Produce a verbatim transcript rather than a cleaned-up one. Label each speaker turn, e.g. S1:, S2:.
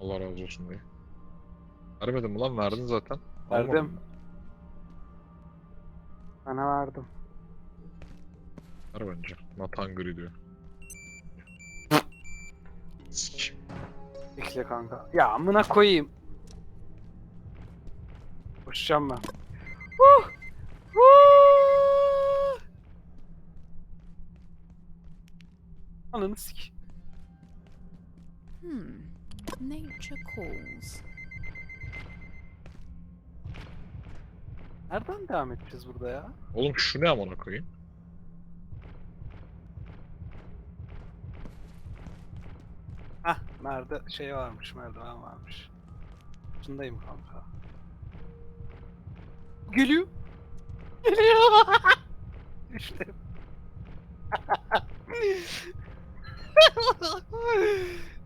S1: Allah razı olsun diye. Vermedin mi lan? Verdin zaten. Almadın
S2: Verdim.
S1: mı?
S2: Sana verdim.
S1: Ver bence. Not hungry diyor. Sik.
S2: Bekle kanka. Ya amına koyayım. Koşacağım ben. Huh! Huh! Ananı sik.
S3: Hmm. Nature calls.
S2: Nereden devam edeceğiz burada ya?
S1: Oğlum şu ne amına koyayım?
S2: Hah, nerede şey varmış, merdiven varmış. Şundayım kanka. Geliyor. Geliyor. İşte.